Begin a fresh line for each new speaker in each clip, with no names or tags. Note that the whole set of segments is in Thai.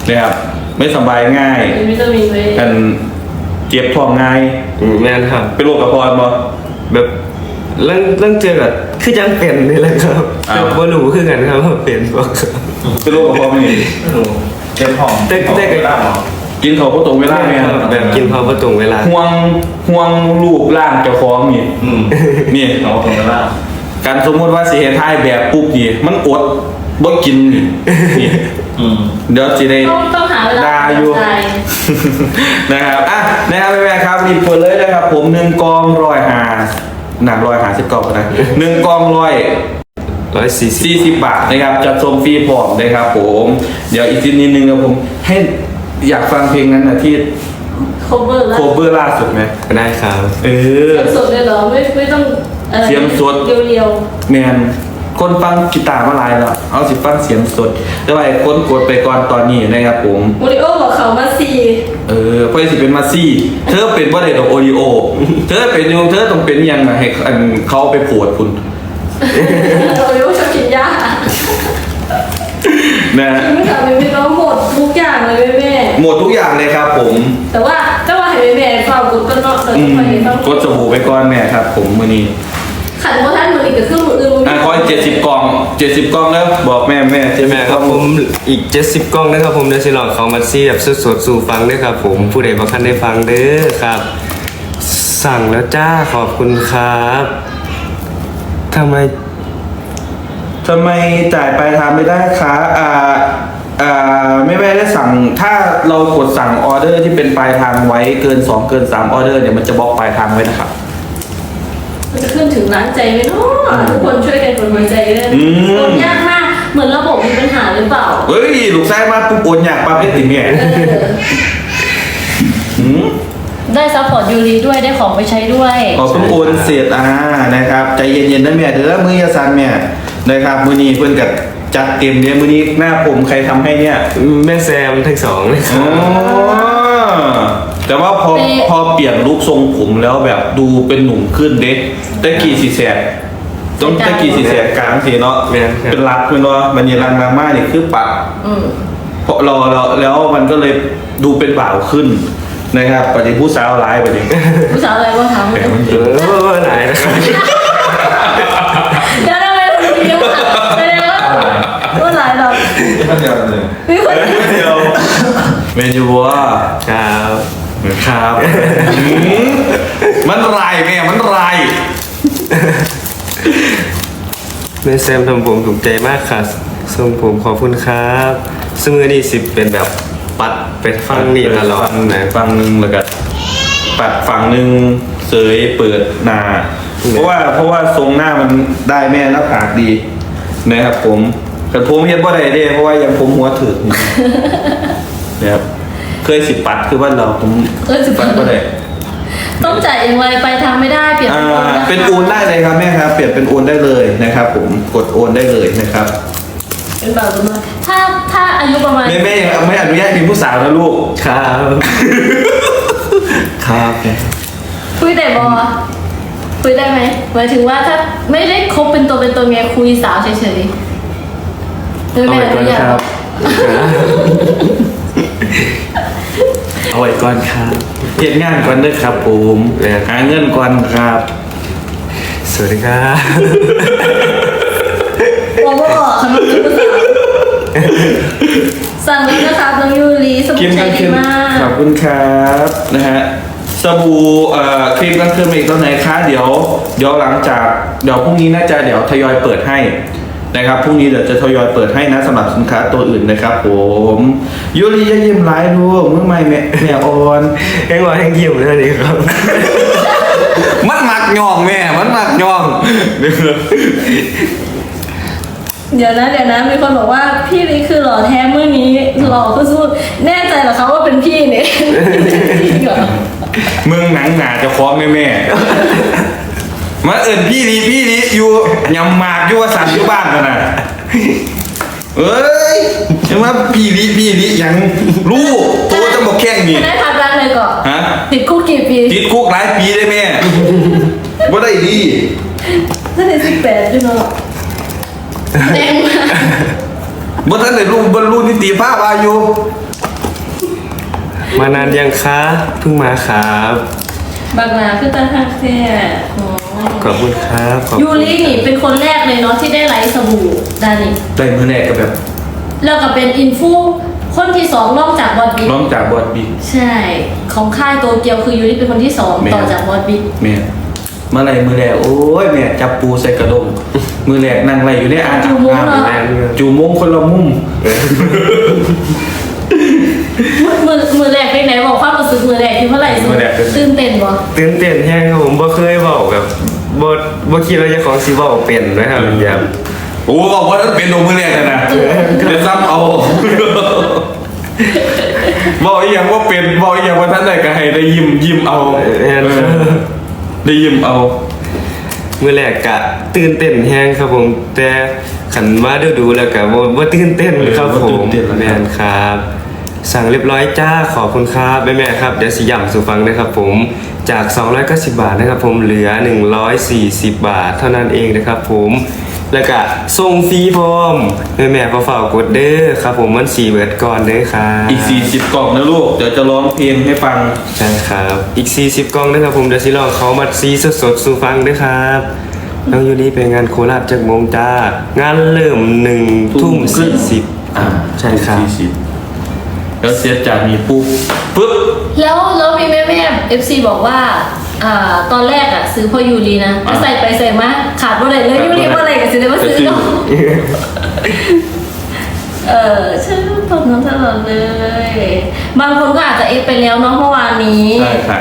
นะครับไม่สบายง่าย
วิตามินเลย
กันเจ็บท้องง่าย
แม่นครับ
เป็นโรคกระเพาะบ่
แบบเรื่องเจอกับคือยังเป็นนี่แหละครับแต่บ่รู้คือกันครับว่าเป็นบ่ครับ
เป็นโรคกระเพาะไม่ดี
เจ็บท้อง
แต่
กินเขาก็ตรงเวลาเนี่ย
แบบกินเขาก็ตรงเวลา
ห่วงรูปร่างเจ้าของนี่นี่
เขาตรงเวลา
การสมมติว่าสิเฮ็ดให้แบบปุ๊บนี่มันอดบ่กินนี่เดี๋ยวสิได้
ต้องหาเวลา
อยู่นะครับอ่ะนะครับแม่ครับรีบเปิดเลยนะครับผม1กอง150หนัก150นะ1กอง140 บาทนะครับจัดส่งฟรีพร้อมนะครับผมเดี๋ยวอีกนิดนึงนะผมให้อยากฟังเพลงนั้นนะที่
โคเวอร์
ล่าสุดไหม
ได้ครับ
เสียงสดเลยเหรอไม่ต้อง
เสียงสด
เรียว
แมนคนฟังกีตาร์มาหลายแล้วเอาสิฟังเสียงสดแต่ว่าคนกดไปก่อนตอนนี้นะครับผม
โอริโอบอกเขามาซี
เพื่อสิเป็นมาซี่เธอเป็นว่าอะไรดอกโอริโอเธอเป็นยูเธอต้องเป็นยังไงให้เขาไปปวดคุณ
โอริโอชอบกินยา
นะ
ไม่ทำไม่ต้องหมดทุกอย่างเลยแม่
หมดทุกอย่างเลยครับผม
แต่ว่าเห็นแม่ฟังกดก็นอกเลย
กดสบู่ไปก่อนแม่ครับผมมื้อนี้
ขันโมท่านมืออีกกับเครื่องมืออื่น
ขอ70 กล่องแล้วบอกแม่
ใช่ไหมครับผมอีก70 กล่องนะครับผมเดี๋ยวสิลองเขามาซี่แบบสดๆสู่ฟังด้วยครับผมผู้ใดบ่ทันได้ฟังเด้อครับสั่งแล้วจ้าขอบคุณครับทำไม
จ่ายปลายทางไม่ได้คะไม่ได้สั่งถ้าเรากดสั่งออเดอร์ที่เป็นปลายทางไว้เกิน2เกิน3ออเดอร์เนี่ยมันจะบล็อกปลายทางไว้นะครับ
มันจะขึ้นถึงร้านใจไหมเนาะทุกคนช่วยกันกดหัวใจเลยโอนยากมากเหมือนระบบมีปัญหาหรือเปล่า
เฮ้ยลูกไส้มาปุ๊บโอนยากปั๊บได้ติดเนี่ย
ได้ซัพพอร์ตยูรีด้วยได้ของไปใช้ด้วย
ขอเพิ่งโอนเสร็จนะครับใจเย็นๆนะแม่เดี๋ยวมือยาซันแม่นะครับมื้อนี้เพิ่นกับจัดเต็มเนี่ยมื้อนี้หน้าผมใครทำให้เนี่ย
แม่แซมทั้งสองเลย
แต่ว่าพอเปลี่ยนลุคทรงผมแล้วแบบดูเป็นหนุ่มขึ้นเด็กตะกี้สีแสกต้องตะกี้สีแสกกลางสีเนาะเป็นรัดเป็นว่ามันยีรังมากนี่คือปัดเพราะเราแล้วมันก็เลยดูเป็นบ่าวขึ้นนะครับปฏิผู้สาวร้ายไปดิ
ผู้สาวอะไรว่าทำ
ไหนนะครับ
เดี๋ยวอะไรคนเดียวแสดงว่าหลายดอกมีคนเดียว
เมนูวัว
ครับ
มันไรแม่มันไร
แม่แซมทำผมถูกใจมากค่ะทรงผมขอบคุณครับซึ่งอันนี้สิเป็นแบบปัดเป็นฟังนี่ตลอด
นะฟังนึงแล้วก็ปัดฝั่งนึงเสยเปิดหน้าเพราะว่าทรงหน้ามันได้แม่หน้าผากดีนะครับผมแต่ผมเห็นว่าได้เพราะว่ายังผมหัวถึงนะครับเคย10 ปัดคือว่าเราผม
ปัด
ก็ได้
ต้องจ่ายอย่างไรไปทางไม่ได้เปลี่ยน
เป็นโอนได้เลยครับแม่ครับเปลี่ยนเป็นโอนได้เลยนะครับผมกดโอนได้เลยนะครับ
เป็นแบบว่าถ้าอายุประมาณ
แม่ไม่อนุญาตมีผู้สาวนะลูก
ครับครับ
คุยแต่บอคุยได้ไหมหมายถึงว่าถ้าไม่ได้คบเป็นตัวไงคุยสาวเฉยๆไม่อนุญาต
เอาไว้ก่อนครับ
เก็บงานก่อนด้วยครับผมหาเงินก่อนครับ
สวัสดีครับ
บอกว่าขนมจีบสาวสั่งเลยนะครับน้องยูรีสมุนไพรดีมาก
ขอบคุณครับนะฮะสบู่ครีมกันคืนอีกตัวไหนคะเดี๋ยวหลังจากเดี๋ยวพรุ่งนี้น่าจะเดี๋ยวทยอยเปิดให้นะครับพรุ่งนี้เดี๋ยวจะทยอยเปิดให้นะสำหรับสินค้าตัวอื่นนะครับผมยูริจะยิ้มร้ายดูเมื่อไม่แม่อ่อน
แห้งว่าแห้งยิ้มเลยนี่ครับ
มันหมักย่องแม่มันหมักย่อง
เดี๋ยวนะมีคนบอกว่าพี่นี่คือหล่อแท้เมื่อนี้หล่อก็สู้แน่ใจเหรอคะว่าเป็นพี่เนี่ย
มึงหนังหนาจะคล้องแม่มาพี่นี้อยู่ยำหมากอยู่ว่าสันอยู่บ้านกันนะเอ้ยใช่ไหมพี่นี้ยังรู้ตัวจะบอกแค่นี้
ได้พักรักเลยก่อน
ฮะ
ติดคุกกี่ปี
ติดคุกหลายปีได้แม่ว่าได้ดี
ถ้าได้18ด้วยเนาะแดงมาก
บ่ทันได้รู้บรรลุนิติภาพอายุ
มานานยังคะเพิ่งมาครับ
บางนาคือตาหักแท้อ๋อ
ขอบคุณครับขอบ
ยู
คุณ
รินี่เป็นคนแรกเลยเนาะที่ได้ไลฟ์สบู่ดานี่
ได้มือแรกก็แบบ
แล้วก็เป็นอินฟูคนที่สองนอกจากบอสบิ๊ก
น้องจากบอดบิ๊ก
ใช่ ของค่ายโตเกียวคือยูริเป็นคนที่สอง
แม่
ต่อจากบอสบิ๊ก
แม่เมื่อไรมือแรกโอ้ยแม่จับปูใส่กระดงมือแรกนั่งไรอยู่ในอ่างอาบน้ำจูมงคนละมุม
มือแรกเป็นไหนบอกความรู้สึกมือแรกที่เมื่อไหร่
มือแรกเป็นไง
ตื่นเต้นบ่
ตื่นเต้นแห้งครับผมบ่เคยบอกแบบบ่คิดว่าเจะของสิบอกเป็นนะครับแบบ
โอ้บอกว่าเป็นดงมือแรกเลยนะเดี๋ยวซ้ำเอาบอกอีกอย่างว่าเป็นบอกอีกอย่างว่าท่านใดก็ให้ได้ยิ้มเอาได้ยิ้มเอา
มื้อแรกกะตื่นเต้นแห้งครับผม แต่ขันมาดูแล้วก็บ่ตื่นเต้นครับผมแม่นครับ สั่งเรียบร้อยจ้าขอบคุณครับแม่ๆครับเดี๋ยวสิย้ำสู่ฟังนะครับผมจาก290บาทนะครับผมเหลือ140บาทเท่านั้นเองนะครับผมแล้วก็ส่งฟรีพร้อมแม่ๆฝากกดเด้อครับผมมัน4เบิดก่อนเด้อครับ
อีก40กล่องนะลูกเดี๋ยวจะร้องเพลงให้ฟัง
ใช่ครับอีก40กล่องนะครับผมเดี๋ยวสิลองเขามาซีสดๆสู่ฟังเด้อครับน้องยูริเป็นงานโคราชจากโมงจ้างานเริ่ม1 ทุ่ม 40ใช่ครับ
40แล้วเสียจากนี้ปุ๊บ
แล้วมีแม่FC บอกว่าตอนแรกซื้อพอยูรีนะก็ใส่ไปใส่มาขาดว่าอะไรเลยยูรีว่าอะไรก็ซื้อได้ว่าซื้อเนาะชื่อตอนนั้นตลอดเลย บางคนก็อาจจะเอฟไปแล้วเนาะเมื่อวานนี้
ใช่ค่ะ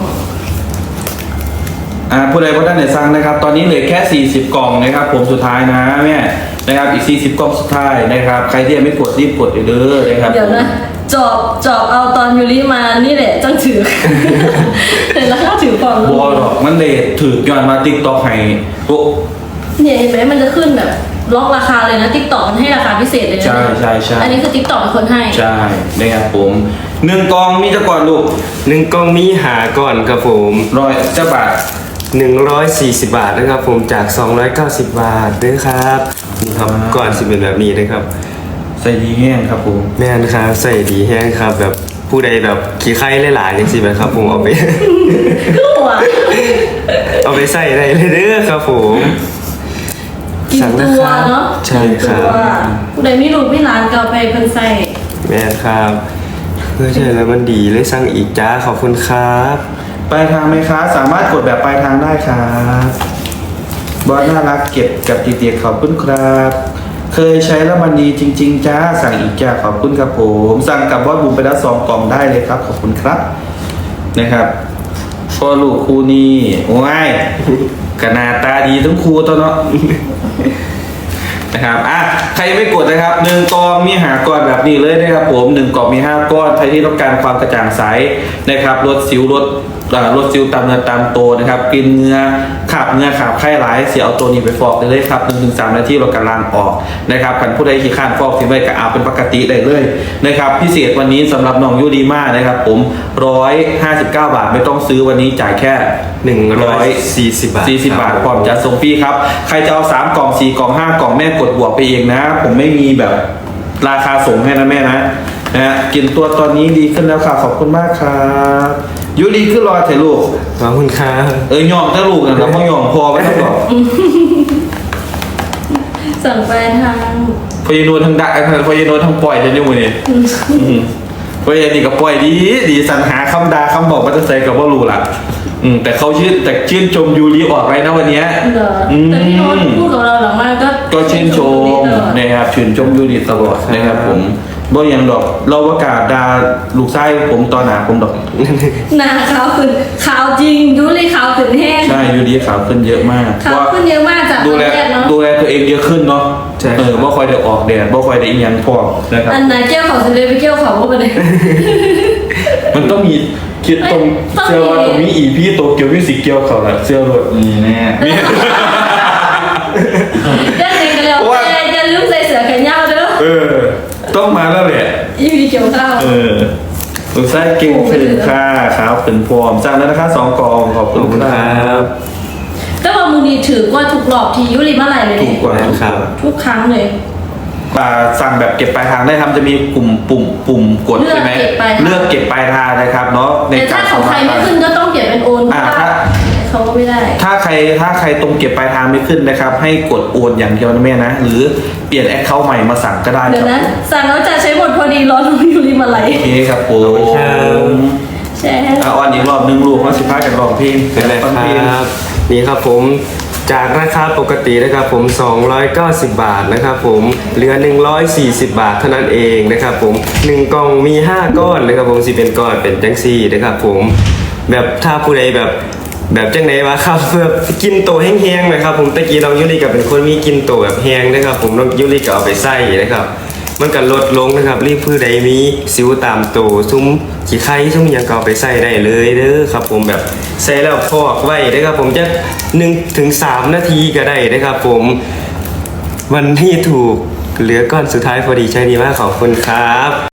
ผู้ใดผู้ท่านไหนสั่งนะครับ ตอนนี้เหลือแค่40กล่องนะครับ ผมสุดท้ายนะแม่นะครับอีก40กล่องสุดท้ายนะครับใครที่ยังไม่กดรีบกดเด้อนะครับ
เดี๋ยวนะจอบเอาตอนยูริมานี่แหละจังถือ เห็นแล้วก็ถือก่อน
บัวหรอกมันเลยถือยอนมาติ๊กต็อกให้โอ้
เนี่ยเห็นไหมมันจะขึ้นแบบล็อกราคาเลยนะติ๊กต็อกมันให้ราคาพิเศษเลยนะ
ใช่
อันนี้คือติ๊กต็อกเป็นคนให้
ใช่นะครับผม1กล่องมีจะก่อนลูก
1กล่องมีหาก่อนครับผม
100จะบาท
140บาทนะครับผมจาก290บาทด้วยครับนี่ครับก่อนสิเป็นแบบนี้นะครับ
ใส่ดีแห้งครับผม
แม่นครับใส่ดีแห้งครับแบบผู้ใดแบบขี้ไข้หลายๆอย่างสิแบบครับผมเอาไป
คือหัว
เอาไปใส่ได้เลยเด้อครับผม
กิน
สั่ง
ตั
นะ
ว
ครับ
เนาะ
ใช่ครับ
กินตัวผู้ใดไม่รู้ไม่ร้านก็เอาไปเพิ่นใส่
แม่นครับเพื่อใช่แล้วมันดีเลยสั่งอีกจ้าขอบคุณครับ
ปลายทางไหมคะสามารถกดแบบปลายทางได้ครับบอสน่ารักเก็บกับตีเตียขอบคุณครับ เคยใช้แล้วมันดีจริง ๆจ้าสั่งอีกจ้าขอบคุณครับผมสั่งกับบอสบุ๋มไปแล้ว2กล่องได้เลยครับขอบคุณครับนะครับพ่อลูกคู่นี้โอ้ยกหนาตาดีทั้งคู่ตัวเนาะ นะครับใครไม่กดนะครับ1กล่องมีหาก้อนแบบนี้เลยนะครับผม1กล่องมี5ก้อนใครที่ต้องการความกระจ่างใสนะครับลดสิวลดสิวตามเนื้อตามตัวนะครับกินเนื้อขับไข้หลายเสียเอาตัวนี้ไปฟอกได้เลยครับ 1-3 นาทีเรากำลังออกนะครับกันผู้ใดขี้ข้านฟอกทิ้งไว้ก็เอาเป็นปกติได้เลยนะครับพิเศษวันนี้สำหรับน้องยูดีมานะครับผม159 บาทไม่ต้องซื้อวันนี้จ่ายแค่
140บาท
40 บาทพร้อมจะส่งฟรีครับใครจะเอา3กล่อง4กล่อง5กล่องแม่กดบวกไปเองนะผมไม่มีแบบราคาส่งให้นะแม่นะกินตัวตอนนี้ดีขึ้นแล้วค่ะขอบคุณมากครับยูดีขึ้นรอถ่ายรูป
ขอบคุณครับ
ยอมถ้าลูกนะเราไม่ยอมพอไม่ต้องบอก
สั่งไปทาง
พยานวลทางดักพยานวลทางปล่อยจะนี่มือนี่พยานนี่ก็ปล่อยดีสรรหาคำด่าคำบอกมาจะใส่กับว่ารู้ละแต่เขาชื่นชมยูรีออกไปนะวันนี้
เหรอแต่พี่โน้ตพูดกับเราหลังมากก็
ก็ชื่นชมนะครับชื่นชมยูรีตลอดนะครับผมบ่ยังดอกเราประกาศดาลูกไส้ผมตอนหนาผมดอก
หน้าขาวขึ้นขาวจริงยูริขาวขึ้นแห้ง
ใช่ยูรีขาวขึ้นเยอะมาก
ขาวขึ้นเยอะมากจาก
ดู
ตอน
แล
แรกเนาะ
ดูแลตัวเองเยอะขึ้นเนาะบ่ค่อยได้ออกแดดบ่ค่อยได้อีหยังพอนะครับ
อันไหนเกี่ยวเขาจะเลยไปเกี่ยวเขาก็ไปเลย
มันต้องมีคิดตรงเชื่อว่าตรงนี้อีพี่โตเกียวมิวสิกเกียวเขาแหละเชื่อรถนี่แน่
เล่นเองกันแล้วแต่อย่าลืมใส่เสื้อแขนยาวเด้อ
ต้องมาแล้วแหละ
อีพีเกี่ยวข้าว
ลูกไส้เก่งขึ้นค่ะขาวขึ้นพร้อมสั่งแล้วนะคะ2กล่องขอบ
ข
คุ
อบ
ณ
คุณ
ค
ค
รั
รับ บ
แต่ว่ามึงดีถือกว่าทุกรอบที่ยูริมาไหลเลย
ถูกกว่า
ครับ
ทุกครั้งเลย
สั่งแบบเก็บปลายทางได้ทำจะมีปุ่มกดใช่ไหมเลือกเก็บปลายทางถ้าใครตรงเก็บปลายทางไม่ขึ้นนะครับ ให้กดโอนอย่างเดียวนะแม่นะหรือเปลี่ยนแอคเคาท์ใหม่มาสั่งก็ได้
เดี๋
ค
ยว
รับ
นะสั่งแล้วจะใช้หมดพอดีรอน้องยูริมาไลฟ์
โอเคครับผม
แชร์ให้
อ่อนอีกรอบนึงลูกว่า15กันร้องเพลง
เป็นไร
ฟัง
ค
เพลง
รับนี่ครับผมจากราคาปกตินะครับผม290 บาทนะครับผมเหลือ140 บาทเท่านั้นเองนะครับผม1กล่องมี5ก้อนนะครับผมสิเป็นก้อนเป็นจังซี่นะครับผมแบบถ้าผู้ใดแบบจังไหนวะครับแบบกินโตแห้งๆนะครับผมตะกี้น้องยุริกับเป็นคนมีกินโตแบบแห้งนะครับผมน้องยุริก็เอาไปใส่นะครับมันก็ลดลงนะครับรีบผู้ใดมีสิวตามโตซุ้มขี้ไข่ซุ้มหยังก็เอาไปใส่ได้เลยเด้อครับผมแบบใส่แล้วพอกไว้นะครับผมจะ1-3 นาทีก็ได้นะครับผมวันที่ถูกเหลือก้อนสุดท้ายพอดีใช่ดีมากขอบคุณครับ